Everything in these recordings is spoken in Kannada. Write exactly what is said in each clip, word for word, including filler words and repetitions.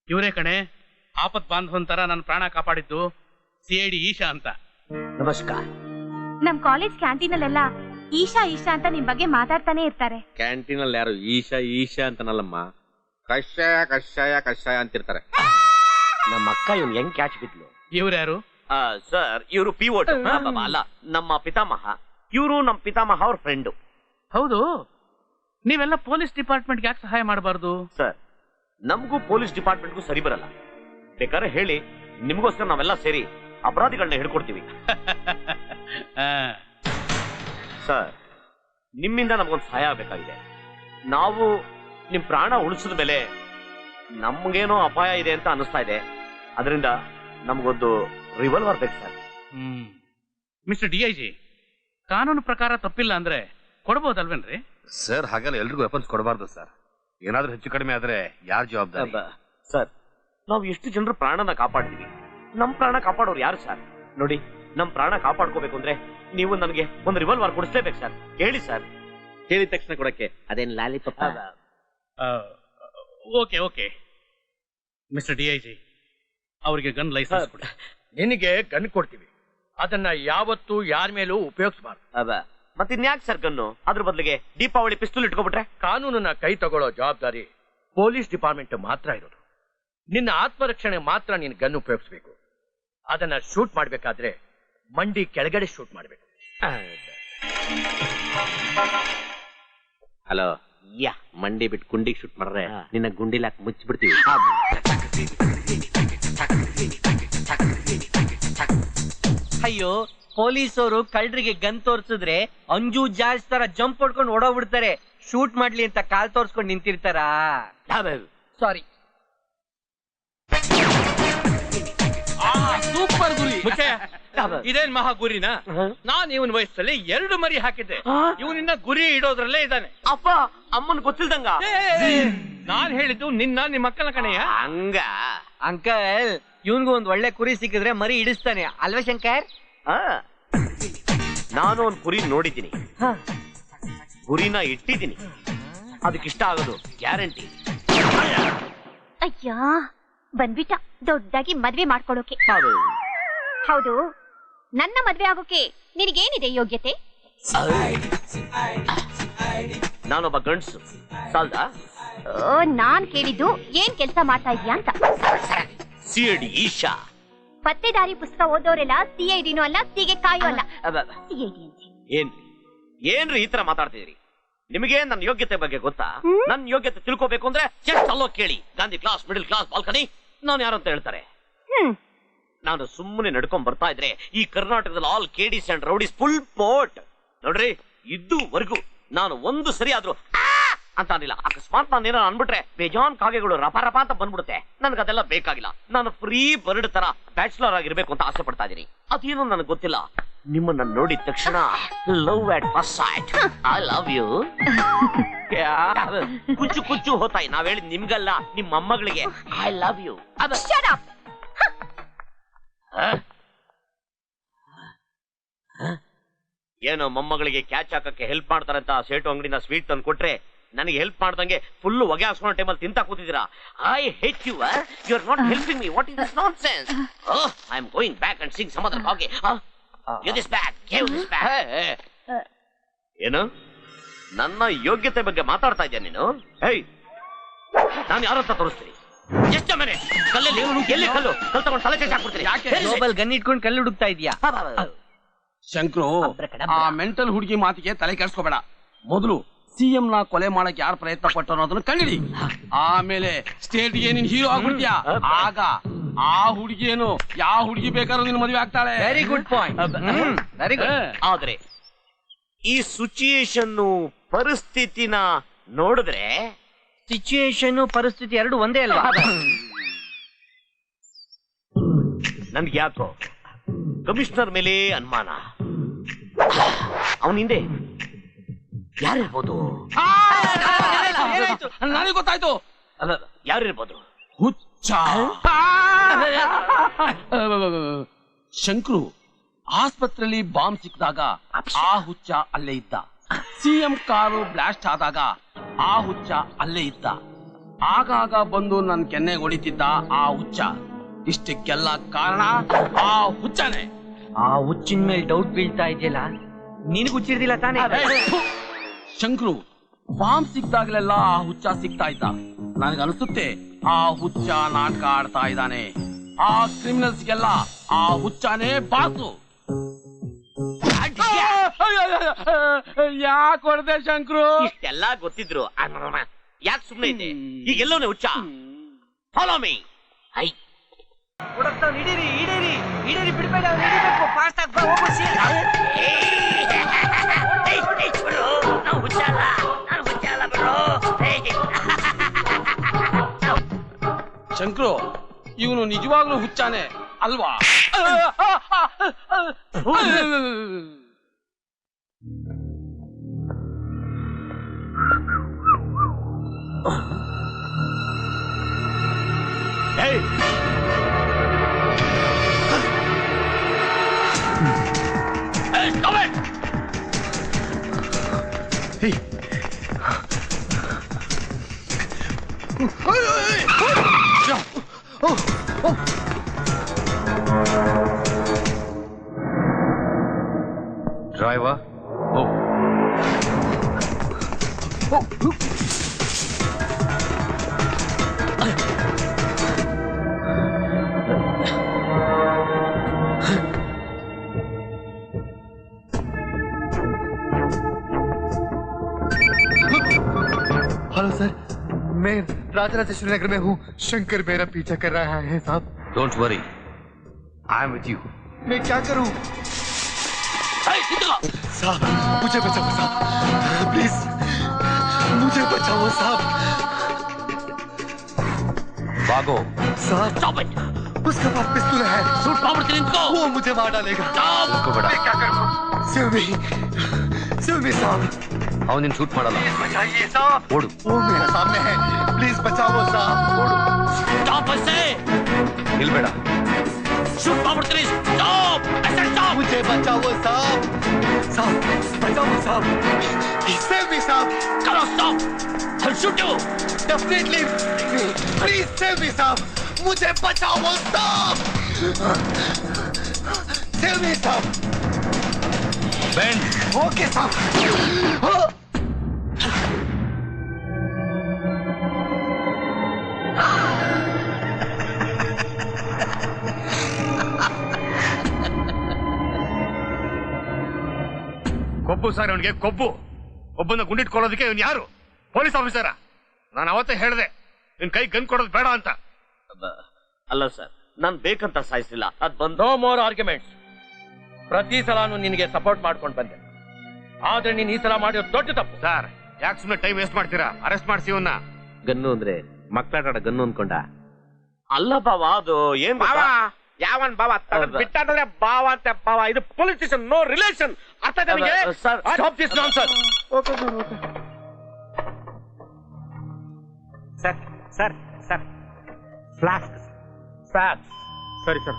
ಇವರೇ ಕಣೆ ಆಪತ್ ಬಾಂಧವಂತರ ನನ್ನ ಪ್ರಾಣ ಕಾಪಾಡಿದ್ದು ಸಿ ಐ ಡಿ ಈಶಾ ಅಂತ. ನಮಸ್ಕಾರ. ನಮ್ ಕಾಲೇಜ್ ಕ್ಯಾಂಟೀನ್ ಅಲ್ಲೆಲ್ಲ ಈಶಾ ಈಶಾ ಅಂತ ನಿಮ್ ಬಗ್ಗೆ ಮಾತಾಡ್ತಾನೆ ಇರ್ತಾರೆ. ಕ್ಯಾಂಟೀನ್ ಅಲ್ಲಿ ಯಾರು ಈಶಾ ಈಶಾ ಅಂತನಲ್ಲಮ್ಮ, ಕಷಾಯ ಕಷಾಯ ಕಷಾಯ ಅಂತಿರ್ತಾರೆ. ನಮ್ಮ ಅಕ್ಕ ಇವ್ನು ಹೆಂಗ್ ಕ್ಯಾಚ್ ಬಿದ್ಲು? ಇವ್ರು ಯಾರು ಸರ್? ಇವರು ಪಿ ಓಟ್ ಅಲ್ಲ, ನಮ್ಮ ಪಿತಾಮಹ. ಇವರು ನಮ್ಮ ಪಿತಾಮಹ ಅವ್ರ ಫ್ರೆಂಡು. ಹೌದು. ನೀವೆಲ್ಲ ಪೊಲೀಸ್ ಡಿಪಾರ್ಟ್ಮೆಂಟ್ಗೆ ಯಾಕೆ ಸಹಾಯ ಮಾಡಬಾರ್ದು? ಸರ್, ನಮಗೂ ಪೊಲೀಸ್ ಡಿಪಾರ್ಟ್ಮೆಂಟ್ಗೂ ಸರಿ ಬರಲ್ಲ. ಬೇಕಾದ್ರೆ ಹೇಳಿ, ನಿಮಗೋಸ್ಕರ ನಾವೆಲ್ಲ ಸೇರಿ ಅಪರಾಧಿಗಳನ್ನ ಹಿಡ್ಕೊಡ್ತೀವಿ. ಸರ್, ನಿಮ್ಮಿಂದ ನಮಗೊಂದು ಸಹಾಯ ಆಗಬೇಕಾಗಿದೆ. ನಾವು ನಿಮ್ ಪ್ರಾಣ ಉಳಿಸಿದ ಮೇಲೆ ನಮ್ಗೇನೋ ಅಪಾಯ ಇದೆ ಅಂತ ಅನಿಸ್ತಾ ಇದೆ. ಅದರಿಂದ ನಮಗೊಂದು ರಿವಾಲ್ವರ್ ಬೇಕು ಸರ್. ಹ್ಮ್ ಮಿಸ್ಟರ್ ಡಿ ಐ ಜಿ, ಕಾನೂನು ಪ್ರಕಾರ ತಪ್ಪಿಲ್ಲ ಅಂದ್ರೆ ಕೊಡ್ಬೋದಲ್ವೇನ್ರಿ? ಸರ್, ಹಾಗೆಲ್ಲ ಎಲ್ರಿಗೂ ವೆಪನ್ಸ್ ಕೊಡಬಾರ್ದು ಸರ್. ಏನಾದ್ರೂ ಹೆಚ್ಚು ಕಡಿಮೆ ಆದ್ರೆ ಯಾರು ಜವಾಬ್ದಾರಿ? ಸರ್, ನಾವು ಎಷ್ಟು ಜನರ ಪ್ರಾಣನ ಕಾಪಾಡ್ತೀವಿ. ನಮ್ ಪ್ರಾಣ ಕಾಪಾಡೋರು ಯಾರು ಸರ್? ನೋಡಿ, ನಮ್ ಪ್ರಾಣ ಕಾಪಾಡ್ಕೋಬೇಕು ಅಂದ್ರೆ ನೀವು ನನಗೆ ಒಂದು ರಿವಾಲ್ವರ್ ಕೊಡಿಸ್ಲೇಬೇಕು ಸರ್. ಹೇಳಿ ಸರ್. ಹೇಳಿದ ತಕ್ಷಣ ಕೊಡಕ್ಕೆ ಅದೇನ್ lollipop? Okay okay mister D I G, ಅವರಿಗೆ ಗನ್ ಲೈಸೆನ್ಸ್ ಕೊಡಿ. ನಿನಗೆ ಗನ್ ಕೊಡ್ತೀವಿ, ಅದನ್ನ ಯಾವತ್ತೂ ಯಾರ ಮೇಲೂ ಉಪಯೋಗಿಸಬಾರ್ದು. ಮತ್ತಿನ್ಯಾಕ್ ಸರ್ ಗನ್ನು? ಅದ್ರ ಬದಲಿಗೆ ದೀಪಾವಳಿ ಪಿಸ್ತೂಲ್ ಇಟ್ಕೊಬಿಟ್ರೆ? ಕಾನೂನನ್ನ ಕೈ ತಗೊಳ್ಳೋ ಜವಾಬ್ದಾರಿ ಪೊಲೀಸ್ ಡಿಪಾರ್ಟ್ಮೆಂಟ್ ಮಾತ್ರ ಇರೋದು. ನಿನ್ನ ಆತ್ಮರಕ್ಷಣೆ ಮಾತ್ರ ನೀನು ಗನ್ ಉಪಯೋಗಿಸಬೇಕು. ಅದನ್ನ ಶೂಟ್ ಮಾಡ್ಬೇಕಾದ್ರೆ ಮಂಡಿ ಕೆಳಗಡೆ ಶೂಟ್ ಮಾಡ್ಬೇಕು. ಹಲೋ, ಯಾ ಮಂಡಿ ಬಿಟ್ಟು ಗುಂಡಿಗೆ ಶೂಟ್ ಮಾಡ್ರೆ ನಿನ್ನ ಗುಂಡಿಲಾಕ್ ಮುಚ್ಚಿಬಿಡ್ತೀವಿ. ಅಯ್ಯೋ, ಪೊಲೀಸರು ಕಳ್ಳರಿಗೆ ಗನ್ ತೋರ್ಸಿದ್ರೆ ಅಂಜು ಜಾಸ್ತಿ ತರ ಜಂಪ್ ಹೊಡ್ಕೊಂಡು ಓಡೋಗ್ಬಿಡ್ತಾರೆ. ಶೂಟ್ ಮಾಡ್ಲಿ ಅಂತ ಕಾಲ್ ತೋರ್ಸ್ಕೊಂಡು ನಿಂತಿರ್ತಾರ. ಸಾರಿ. ಸೂಪರ್ ಗುರಿ. ಇದೇನ್ ಮಹಾ ಗುರಿನಾ? ನಾನ್ ಇವನ್ ವಯಸ್ಸಲ್ಲಿ ಎರಡು ಮರಿ ಹಾಕಿದ್ದೆ. ಇವನಿನ್ನ ಗುರಿ ಇಡೋದ್ರಲ್ಲೇ ಇದ್ದಾನೆ. ಅಪ್ಪ, ಅಮ್ಮನ್ ಗೊತ್ತಿಲ್ದಂಗ? ನಾನ್ ಹೇಳಿದ್ದು ನಿನ್ನ ನಿಮ್ಮ ಮಕ್ಕಳ ಕಣೆಯ. ಹಂಗ ಅಂಕಲ್, ಇವನ್ಗೂ ಒಂದ್ ಒಳ್ಳೆ ಕುರಿ ಸಿಕ್ಕಿದ್ರೆ ಮರಿ ಇಡಿಸ್ತಾನೆ ಅಲ್ವಾ ಶಂಕರ್? ನಾನು ಒಂದ್ ಕುರಿ ನೋಡಿದ್ದೀನಿ, ಗುರಿನ ಇಟ್ಟಿದ್ದೀನಿ. ಅದಕ್ಕಿಷ್ಟ ಆಗೋದು ಗ್ಯಾರಂಟಿ. ಅಯ್ಯೋ, ಬಂದ್ಬಿಟ್ಟ ದೊಡ್ಡದಾಗಿ ಮದ್ವೆ ಮಾಡ್ಕೊಳ್ಳೋಕೆ. ಹೌದು, ನನ್ನ ಮದ್ವೆ ಆಗೋಕೆ ನಿನಗೇನಿದೆ ಯೋಗ್ಯತೆ? ನಾನೊಬ್ಬ ಗಂಡ್ಸು, ಸಾಲ್ದಾ? ನಾನ್ ಕೇಳಿದ್ದು ಏನ್ ಕೆಲ್ಸ ಮಾಡ್ತಾ ಇದೀಯಾ ಅಂತ. C I D Eesha. ಪತ್ತೆದಾರಿ ಪುಸ್ತಕ ಓದೋರೆಲ್ಲ ಸಿ ಐ ಡಿನೂ ಅಲ್ಲ, ಸಿಗೆ ಕಾಯೋ ಅಲ್ಲ. ಸಿ ಐ ಡಿ ಅಂತ ಏನ್ರಿ ಏನ್ರಿ ಈ ತರ ಮಾತಾಡ್ತಿದ್ರಿ? ನಿಮಗೆ ನನ್ನ ಯೋಗ್ಯತೆ ಬಗ್ಗೆ ಗೊತ್ತಾ? ನನ್ನ ಯೋಗ್ಯತೆ ತಿಳ್ಕೋಬೇಕು ಅಂದ್ರೆ ಜಸ್ಟ್ ಅಲ್ಲೋ ಕೇಳಿ. Gandhi class, middle class, balcony, ನಾನು ಯಾರು ಅಂತ ಹೇಳ್ತಾರೆ. ನಾನು ಸುಮ್ಮನೆ ನಡ್ಕೊಂಡ್ ಬರ್ತಾ ಇದ್ರೆ ಈ ಕರ್ನಾಟಕದಲ್ಲಿ ಆಲ್ ಕೇಡಿಸ್ ಅಂಡ್ ರೌಡೀಸ್ ಫುಲ್ ಪೋಟ್. ನೋಡ್ರಿ, ಇದುವರೆಗೂ ನಾನು ಒಂದು ಸರಿ ಆದ್ರೂ ಅಂತ ಅನಿಲ್ಲ. ಅಕಸ್ಮಾತ್ ನಾನು ಏನಾರ ಅನ್ಬಿಟ್ರೆ ಬೇಜಾನ್ ಕಾಗೆಗಳು ರಪ ರಪ ಅಂತ ಬಂದ್ಬಿಡುತ್ತೆ. ನನ್ಗದೆಲ್ಲ ಬೇಕಾಗಿಲ್ಲ. ನಾನು ಫ್ರೀ ಬರ್ಡ್ ತರ ಬ್ಯಾಚುಲರ್ ಆಗಿರ್ಬೇಕು ಅಂತ ಆಸೆ ಪಡ್ತಾ ಇದೀನಿ. ಅದೇನೋ ನನಗೆ ಗೊತ್ತಿಲ್ಲ. ನಿಮ್ಮನ್ನ ನೋಡಿದ ತಕ್ಷಣ love at first sight. I love you. ಕುಚ್ಚು ಕುಚ್ಚು ಹೋತಾಯಿ. ನಾವ್ ಹೇಳಿದ್ ನಿಮ್ಗಲ್ಲ, ನಿಮ್ಮ ಮೊಮ್ಮಗಳಿಗೆ ಐ ಲವ್ ಯು. ಏನೋ ಮೊಮ್ಮಗಳಿಗೆ ಕ್ಯಾಚ್ ಹಾಕಕ್ಕೆ ಹೆಲ್ಪ್ ಮಾಡ್ತಾರಂತ ಸೇಟು ಅಂಗಡಿನ ಸ್ವೀಟ್ ತಂದು ಕೊಟ್ರೆ ನನಗೆ ಹೆಲ್ಪ್ ಮಾಡ್ದಂಗೆ ಫುಲ್ ಹೊಗೆ ಹಾಸ್ಕೊಂಡ ಟೈಮಲ್ಲಿ ತಿಂತಾ ಕೂತಿದ್ದೀರಾ. I hate you. You are not helping me. What is this nonsense? I am going back and sing some other ಹಾಗೆ. Give this back, give this back. ಏನು ನನ್ನ ಯೋಗ್ಯತೆ ಬಗ್ಗೆ ಮಾತಾಡ್ತಾ ಇದ್ಯಾ ನೀನು? ಹೇಯ್, ನಾನು ಯಾರಂತ ತೋರಿಸ್ತೀನಿ. ಎಷ್ಟು ಮನೆ ಕಲ್ಲಲ್ಲಿ ಎಲ್ಲಿ ಕಲ್ಲು ಕಲ್ ತಗೊಂಡು ತಲೆ ಚೇಚ್ ಹಾಕ್ಬಿಡ್ತೀನಿ. ಗನ್ ಇಟ್ಕೊಂಡು ಕಲ್ಲು ಹುಡುಕ್ತಾ ಇದೀಯಾ? ಶಂಕ್ರು, ಆ ಮೆಂಟಲ್ ಹುಡುಗಿ ಮಾತಿಗೆ ತಲೆ ಕೆಡಿಸ್ಕೋಬೇಡ. ಮೊದಲು ಸಿಎಂ ನ ಕೊಲೆ ಮಾಡಕ್ ಯಾರು ಪ್ರಯತ್ನ ಪಟ್ಟು ಅನ್ನೋದನ್ನ ಕಂಡಿಡಿ. ಆಮೇಲೆ ಸ್ಟೇಟ್ ಗೆ ನೀನ್ ಹೀರೋ ಆಗ್ಬಿಡ್ತೀಯ. ಆಗ ಆ ಹುಡುಗಿಯೇನು ಯಾವ ಹುಡುಗಿ ಬೇಕಾದ್ರೂ ನಿನ್ ಮದುವೆ ಆಗ್ತಾಳೆ. Very good point. Very good. ಆದ್ರೆ ಈ ಸಿಚುಯೇಷನ್ ಪರಿಸ್ಥಿತಿನ ನೋಡಿದ್ರೆ ಸಿಚುಯೇಷನ್ ಪರಿಸ್ಥಿತಿ ಎರಡು ಒಂದೇ ಅಲ್ವಾ? ನನ್ಗೆ ಯಾಕೋ ಕಮಿಷನರ್ ಮೇಲೆ ಅನುಮಾನ. ಅವನ ಹಿಂದೆ ಯಾರಿರ್ಬೋದು? ನನಗೆ ಗೊತ್ತಾಯ್ತು. ಯಾರಿರ್ಬೋದು? ಹುಚ್ಚ ಶಂಕ್ರು. ಆಸ್ಪತ್ರೆಯಲ್ಲಿ ಬಾಂಬ್ ಸಿಕ್ಕಿದಾಗ ಆ ಹುಚ್ಚ ಅಲ್ಲೇ ಇದ್ದ. ಸಿಎಂ ಕಾರು ಬ್ಲಾಸ್ಟ್ ಆದಾಗ ಆ ಹುಚ್ಚ ಅಲ್ಲೇ ಇದ್ದ. ಆಗಾಗ ಬಂದು ನನ್ ಕೆನ್ನೆಗೆ ಹೊಡಿತಿದ್ದ ಆ ಹುಚ್ಚ. ಇಷ್ಟಕ್ಕೆಲ್ಲ ಕಾರಣ ಆ ಹುಚ್ಚನೇ. ಆ ಹುಚ್ಚಿನ ಮೇಲೆ ಡೌಟ್ ಬೀಳ್ತಾ ಇದೆಯಲ್ಲ, ನಿನಗ್ ಹುಚ್ಚಿರ್ದಿಲ್ಲ ತಾನೇ? ಶಂಕ್ರು, ಬಾಂಬ್ ಸಿಕ್ದಾಗ್ಲೆಲ್ಲ ಆ ಹುಚ್ಚ ಸಿಗ್ತಾ ಇದ್ದ. ನನಗನ್ಸುತ್ತೆ ಆ ಹುಚ್ಚ ನಾಟಕ ಆಡ್ತಾ ಇದ್ದಾನೆ. ಆ ಕ್ರಿಮಿನಲ್ಸ್ಗೆಲ್ಲ ಆ ಹುಚ್ಚನೇ ಬಾಸು. ಯಾಕೆ ಹೊಡೆದೆ ಶಂಕ್ರು? ಇಷ್ಟೆಲ್ಲ ಗೊತ್ತಿದ್ರು ಯಾಕೆ ಸುಮ್ಮನೆ ಇದ್ದೆ? ಈಗೆಲ್ಲವೇ ಹುಚ್ಚ. Follow me. ಐ ಹಿಡೀರಿ ಹಿಡೀರಿ ಹಿಡೀರಿ, ಬಿಡ್ಬೇಡ, ಹಿಡಿಬೇಕು. ಫಾಸ್ಟ್ ಆಗಿ ಹೋಗು. ಶಂಕ್ರು, ಇವನು ನಿಜವಾಗ್ಲೂ ಹುಚ್ಚಾನೆ ಅಲ್ವಾ? ಡ್ರೈವರ್, हेलो सर, मैं राजराजेश्वरी नगर में हूँ. शंकर मेरा पीछा कर रहा है साहब. Don't worry, I am with you. मैं क्या करूँ साहब? मुझे बचाओ साहब, प्लीज मुझे बचाओ साहब. भागो साहब उसके पास पिस्तौल है. ಶೂಟ್ ಮಾಡ್ಬಿಡ್ತೀನಿ ನಿಂತ್ಕೋ. वो मुझे मार डालेगा. उसको बड़ा मैं क्या करूँ? सिल्वी सिल्वी साहब, ಅವನಿನ್ ಶೂಟ್ ಮಾಡಲ್ಲ. बचाइए साहब. ಓಡು. वो मेरे सामने है, प्लीज बचाओ साहब. ಓಡು. ಸ್ಟಾಪ್ ಐಸೆ. ನಿಲ್ಬೇಡ. ಶೂಟ್ ಮಾಡ್ಬಿಡ್ತೀನಿ. ಸ್ಟಾಪ್ ಐಸೆ, ಸ್ಟಾಪ್. मुझे बचाओ साहब. साहब बचाओ साहब. सेव मी साहब. Come on, stop. I'll shoot you. Definitely. Please save me साहब. मुझे बचाओ साहब. Save me साहब. Bend. Okay साहब. ಕೊಬ್ಬು ಸರ್ ಅವನಿಗೆ, ಕೊಬ್ಬು. ಒಬ್ಬನ ಗುಂಡಿಟ್ಕೊಳ್ಳೋದಕ್ಕೆ ಇವನ್ ಯಾರು? ಪೊಲೀಸ್ ಆಫೀಸರ? ನಾನು ಅವತ್ತೇ ಹೇಳ್ದೆ ನಿನ್ ಕೈ ಗನ್ ಕೊಡೋದು ಬೇಡ ಅಂತ. ಅಲ್ಲ ಸರ್, ನಾನ್ ಬೇಕಂತ ಸಾಯಿಸಿಲ್ಲ. ಅದ್ ಬಂದು ನೋ ಮೋರ್ ಆರ್ಗ್ಯುಮೆಂಟ್ಸ್. ಪ್ರತಿ ಸಲಾನು ನಿನಗೆ ಸಪೋರ್ಟ್ ಮಾಡ್ಕೊಂಡು ಬಂದೆ, ಆದ್ರೆ ನೀನ್ ಈ ಸಲ ಮಾಡಿರೋ ದೊಡ್ಡ ತಪ್ಪು. ಸರ್, ಯಾಕೆ ಸುಮ್ಮನೆ ಟೈಮ್ ವೇಸ್ಟ್ ಮಾಡ್ತೀರಾ? ಅರೆಸ್ಟ್ ಮಾಡಿಸಿ ಇವನ್ನ. ಗನ್ನು ಅಂದ್ರೆ ಮಕ್ಕಳಾಟ ಗನ್ನು ಅನ್ಕೊಂಡ? ಅಲ್ಲ ಬಾವ, ಅದು ಏನ್ ಯಾವನ್ ಬಾವ ಬಿಟ್ಟಾದ್ರೆ ಬಾವ ಅಂತ ಬಾವ. ಇದು ಪೊಲೀಸ್ ಸ್ಟೇಷನ್, ನೋ ರಿಲೇಷನ್. ಅರ್ಥ ನಿಮಗೆ? Sir, stop this nonsense. Okay sir, okay sir. Sir sir flask flask. ಸರಿ sir.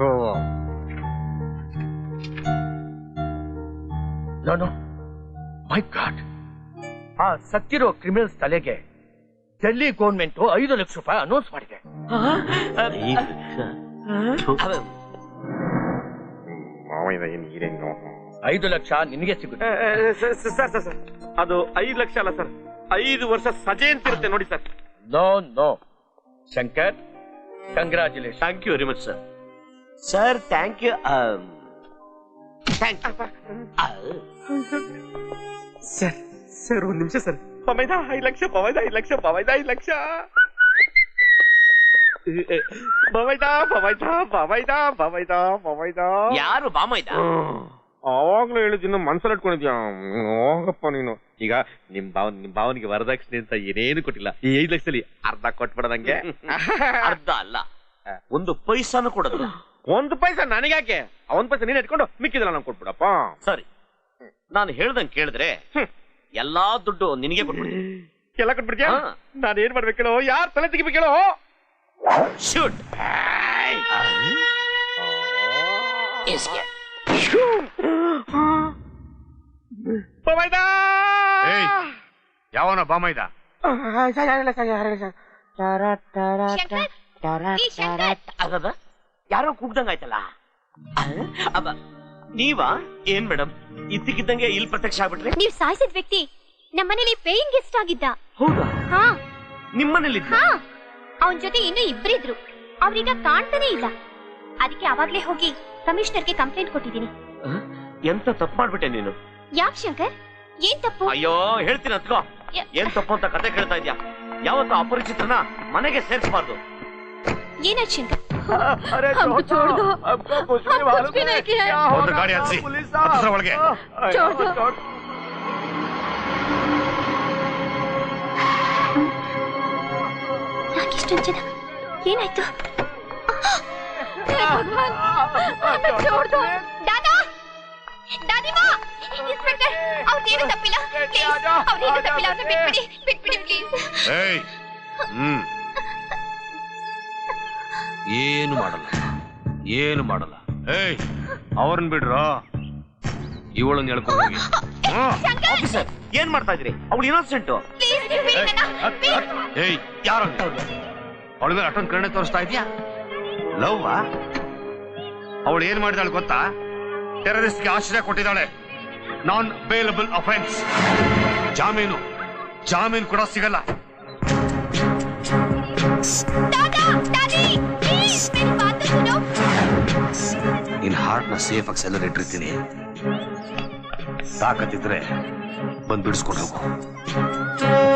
No no my God, ಆ ಸತ್ತಿರೋ ಕ್ರಿಮಿನಲ್ಸ್ ತಲೆಗೆ ಡೆಲ್ಲಿ ಗೌರ್ಮೆಂಟ್ ಐದು ಲಕ್ಷ ರೂಪಾಯಿ ಅನೌನ್ಸ್ ಮಾಡಿದೆ. ಐದು ಲಕ್ಷ ನಿನಗೆ ಸಿಗುತ್ತೆ. ಸರ್ ಸರ್ ಸರ್, ಅದು ಐದು ಲಕ್ಷ ಅಲ್ಲ ಸರ್, ಐದು ವರ್ಷ ಸಜೆ ಅಂತಿರುತ್ತೆ ನೋಡಿ sir. No no Shankar, congratulation. Thank you very much sir. Sir thank you. Sir sir ಒಂದ್ ನಿಮಿಷ ಸರ್. ಪವೈದ ಐದು ಲಕ್ಷ, ಪವೈದ ಐದು ಲಕ್ಷ, ಪವೈದ ಐದು ಲಕ್ಷ. ಪವೈದ ಪವೈದ ಪವೈದ ಪವೈದ ಪವೈದ. ಯಾರು ಬಾಮೈದ? ಅವಾಗ್ಲೂ ಹೇಳಿದ್ದೀನಿ, ಮನ್ಸಲ್ಲಿ ಇಟ್ಕೊಂಡಿದ್ಯಾ? ಹೋಗಪ್ಪ ನೀನು. ಈಗ ನಿಮ್ ಭಾವನ್ ನಿಮ್ ಭಾವನಿಗೆ ವರದಕ್ಷಿಣೆ ಅಂತ ಏನೇನು ಕೊಟ್ಟಿಲ್ಲ. ಈ ಐದು ಲಕ್ಷದಲ್ಲಿ ಅರ್ಧ ಕೊಟ್ಬಿಡದಂಗೆ. ಅರ್ಧ ಅಲ್ಲ, ಒಂದು ಪೈಸಾನು ಕೊಡೋದಿಲ್ಲ. ಒಂದು ಪೈಸಾ ನನಗ್ಯಾಕೆ? ಒಂದ್ ಪೈಸಾ ನೀನ್ ಇಟ್ಕೊಂಡು ಮಿಕ್ಕಿದ್ರೆ ನಾನು ಕೊಟ್ಬಿಡಪ್ಪ. ಸರಿ, ನಾನು ಹೇಳ್ದಂಗೆ ಕೇಳಿದ್ರೆ ಎಲ್ಲಾ ದುಡ್ಡು ನಿನಗೆ ಕೊಟ್ಬಿಡ್ತೀನಿ. ಎಲ್ಲ ಕೊಟ್ಬಿಡ್ತೀಯ? ನಾನು ಏನ್ ಮಾಡ್ಬೇಕೇಳೋ? ಯಾರು ತಲೆ ತೆಗಿಬೇಕೇಳೋ? ಶೂಟ್. ಪವೈದ ಯಾವನ ಬಾಮೈದ? ಈ ಶಂಕರ್ ಅದ ಯಾರೋ ಕೂಗ್ದಂಗಾಯ್ತಲ್ಲ ಅಬ್ಬ ನೀವಾ ಏನ್ ಮೇಡಮ್ ಇದ್ದಕ್ಕಿದ್ದಂಗೆ ಇಲ್ಲಿ ಪ್ರತ್ಯಕ್ಷ ಆಗ್ಬಿಟ್ರಿ ನೀವ್ ಸಾಯಿಸಿದ ವ್ಯಕ್ತಿ ನಮ್ಮನೇಲಿ ಪೇಯಿಂಗ್ ಗೆಸ್ಟ್ ಆಗಿದ್ದ. ಹೌದಾ ಹಾ ನಿಮ್ಮನೇಲಿ ಹಾ ಅವನ್ ಜೊತೆ ಇನ್ನೂ ಇಬ್ರಿದ್ರು. ಅವ್ರೀಗ ಕಾಣ್ತಾನೆ ಇಲ್ಲ. ಅದಕ್ಕೆ ಅವಾಗ್ಲೇ ಹೋಗಿ ಕಮಿಷನರ್ಗೆ ಕಂಪ್ಲೇಂಟ್ ಕೊಟ್ಟಿದ್ದೀನಿ. ಎಂತ ತಪ್ಪು ಮಾಡ್ಬಿಟ್ಟೆ ನೀನು? ಯಾಕ್ ಶಂಕರ್, ಏನ್ ತಪ್ಪು? ಅಯ್ಯೋ ಹೇಳ್ತೀನಿ ಅತ್ಕೋ. ಏನ್ ತಪ್ಪು ಅಂತ ಕತೆ ಕೇಳ್ತಾ ಇದ್ಯಾ? ಯಾವತ್ತು ಅಪರಿಚಿತರನ್ನ ಮನೆಗೆ ಸೇರಿಸಬಾರ್ದು. ಏನಾಯ್ತು ಶಂಕರ್? ಒಂದು ಗಾಡಿ ಹಚ್ಚಿ ಹತ್ರ ಒಳಗೆ. ಯಾಕಿಷ್ಟೊಂದು ಜನ? ಏನಾಯ್ತು? ದಾದಾ, ದಾದಿಮಾ, ಇನ್ಸ್ಪೆಕ್ಟರ್, ಅವ್ರದ್ದೇನು ತಪ್ಪಿಲ್ಲ. ಪ್ಲೀಸ್, ಅವ್ರೇನು ತಪ್ಪಿಲ್ಲ. ಅವ್ರನ್ನ ಬಿಟ್ಬಿಡಿ, ಬಿಟ್ಬಿಡಿ ಪ್ಲೀಸ್. ಏಯ್, ಹ್ಮ್ ಏನು ಮಾಡಲ್ಲ, ಏನು ಮಾಡಲ್ಲ. ಏಯ್, ಅವ್ರನ್ನ ಬಿಡ್ರ, ಇವಳನ್ನ ಹೇಳ್ಕೊಂಡು ಹೋಗಿ. ಆಫೀಸರ್ ಏನ್ ಮಾಡ್ತಾ ಇದ್ರಿ? ಅವಳು ಇನ್ನೋಸೆಂಟ್. ಪ್ಲೀಸ್ ನೀವು ಬಿಡಿ ನನ್ನ. ಪ್ಲೀಸ್. ಏಯ್, ಯಾರು ಅವಳ ಮೇಲೆ ಅಷ್ಟೊಂದು ಕರುಣೆ ತೋರಿಸ್ತಾ ಇದೀಯಾ? ಲವ್ ಅವಳು ಏನ್ ಮಾಡಿದಾಳೆ ಗೊತ್ತಾ? ಟೆರರಿಸ್ಟ್ಗೆ ಆಶ್ರಯ ಕೊಟ್ಟಿದ್ದಾಳೆ. Non bailable offence. ಜಾಮೀನು ಜಾಮೀನು ಕೂಡ ಸಿಗಲ್ಲ. ದಾದಾ, ದಾದಿ, ಪ್ಲೀಸ್ मेरी बात तो सुनो. ನಿನ್ ಹಾರ್ಟ್ ನ ಸೇಫ್ ಆಗಿ ಸೆಲ್ಲರ್ ಇಟ್ಟಿರ್ತೀನಿ. ತಾಕತ್ತಿದ್ರೆ ಬಂದ್ ಬಿಡಿಸ್ಕೊಂಡು ಹೋಗು.